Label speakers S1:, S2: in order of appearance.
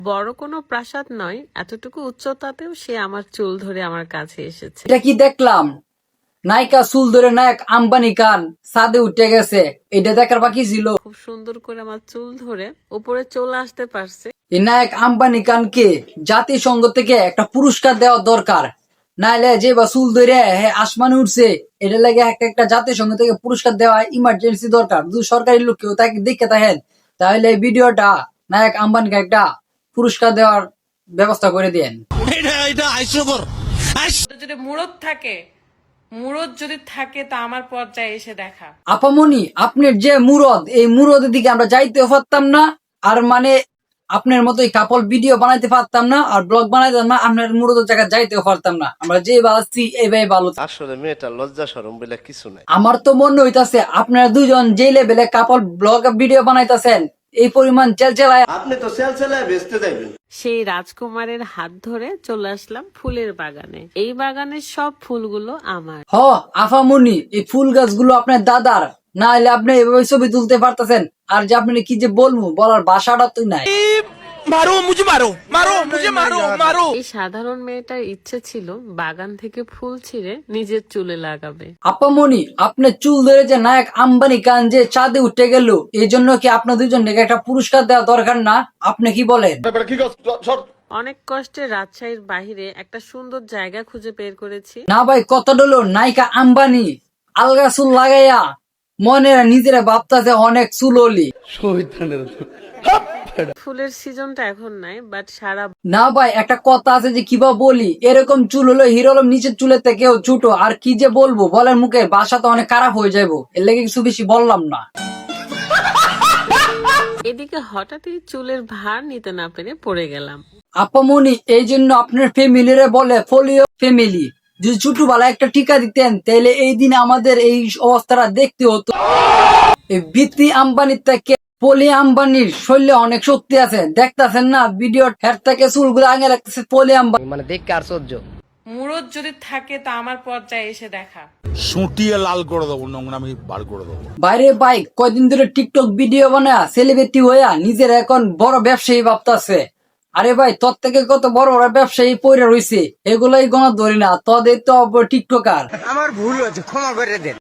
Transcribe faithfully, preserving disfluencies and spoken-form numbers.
S1: বড় কোনো প্রাসাদ নয়, এতটুকু উচ্চতাতেও সে আমার চুল ধরে আমার কাছে এসেছে।
S2: এটা কি দেখলাম? নায়িকা চুল ধরে নায়ক আম্বানি খান ছাদে উঠে গেছে, এটা দেখার বাকি ছিল।
S1: খুব সুন্দর করে আমার চুল ধরে উপরে চলে আসতে পারছে।
S2: এই নায়ক আম্বানি খানকে জাতিসংঘ থেকে একটা পুরস্কার দেওয়া দরকার, নাইলে যে বা চুল ধরে হ্যাঁ আসমানে উঠছে, এটা লাগে একটা একটা জাতিসংঘ থেকে পুরস্কার দেওয়া ইমার্জেন্সি দরকার। যদি সরকারি লোক কেউ তাকে দেখে থাকেন তাহলে এই ভিডিওটা নায়ক আম্বানিকে একটা পুরস্কার দেওয়ার ব্যবস্থা করে দেন।
S1: যদি মুরদ থাকে, মুরদ যদি থাকে তা আমার পর্যায়ে এসে দেখা।
S2: আপামনি আপনার যে মুরদ, এই মুরদের দিকে আমরা যাইতেও পারতাম না, আর মানে আপনার মতো কাপল ভিডিও বানাইতে পারতাম না, আর ব্লগ বানাইতাম না, আপনার মুরদের জায়গায় যাইতেও পারতাম না। আমরা যে বাঁচছি এইভাবে ভালো।
S3: আসলে মেয়েটা লজ্জা শরম বলে কিছু নাই।
S2: আমার তো মনে হইতাছে আপনারা দুজন যে লেভেলে কাপল ব্লগ ভিডিও বানাইতেছেন, এই পরিমাণ চেলচেলায়
S3: আপনি তো সেল সেলায় বেচতে যাবেন।
S1: সেই রাজকুমারের হাত ধরে চলে আসলাম ফুলের বাগানে। এই বাগানের সব ফুলগুলো আমার।
S2: হ আফামনি, এই ফুল গাছগুলো আপনার দাদার, না হলে আপনি এভাবে ছবি তুলতে পারতেছেন। আর যে আপনি কি যে বলবো, বলার ভাষাটা তো নাই।
S4: মারো মুঝে মারো মারো মুঝে মারো মারো।
S1: এই সাধারণ মেয়েটার ইচ্ছে ছিল বাগান থেকে ফুল ছিঁড়ে নিজের চুলে লাগাবে।
S2: আপামনি, আপনার চুল ধরে যে নায়ক আম্বানি খান যে চাঁদে উঠে গেল, এই জন্য কি আপনার দুজনকে একটা পুরস্কার দেওয়া দরকার না? আপনি কি বলেন?
S1: অনেক কষ্টে রাজশাহীর বাহিরে একটা সুন্দর জায়গা খুঁজে বের করেছি।
S2: না ভাই, কত ডলো নায়িকা আম্বানি আলগা চুল লাগাইয়া মনে নিজেরা ভাবতাছে অনেক চুললি।
S1: ফুলের সিজনটা এখন নাই, বাট সারা
S2: না ভাই, একটা কথা আছে যে কিবা বলি, এরকম চুল হলো হিরো হলো নিচের চুলের থেকেও ছোট। আর কি যে বলবো, বলের মুখে বাসা তো অনেক খারাপ হয়ে যাবো, এর লেগে কিছু বেশি বললাম না।
S1: এদিকে হঠাৎই চুলের ভার নিতে না পেরে পড়ে গেলাম।
S2: আপামনি, এই জন্য আপনার ফ্যামিলিরে বলে ফলিও ফ্যামিলি। যদি ছোটবেলা একটা টিকা দিতেন তাহলে এই দিনে আমাদের এই অবস্থাটা দেখতে হতো। এই বিত্তি আম্বানির থেকে পলি আম্বানির শরীরে অনেক শক্তি আছে, দেখতেছেন না ভিডিও হের থেকে চুলগুলো আগে রাখতেছে পলি আম্বানি।
S5: মানে দেখে আর সহ্য।
S1: মুরদ যদি থাকে তা আমার পর্যায়ে এসে দেখা।
S4: সুটিয়ে লাল করে দেবো, নোংরামি বার করে দেবো।
S2: বাইরে বাইক কয়দিন ধরে টিকটক ভিডিও বানায় সেলিব্রিটি হইয়া নিজের এখন বড় ব্যবসায়ী ভাবতেছে। আরে ভাই, তোর থেকে কত বড় বড় ব্যবসায়ী পয়রা রয়েছে, এগুলাই গণা ধরি না, তোদের তো টিকটকার।
S5: আমার ভুল হয়েছে, ক্ষমা করে দেন।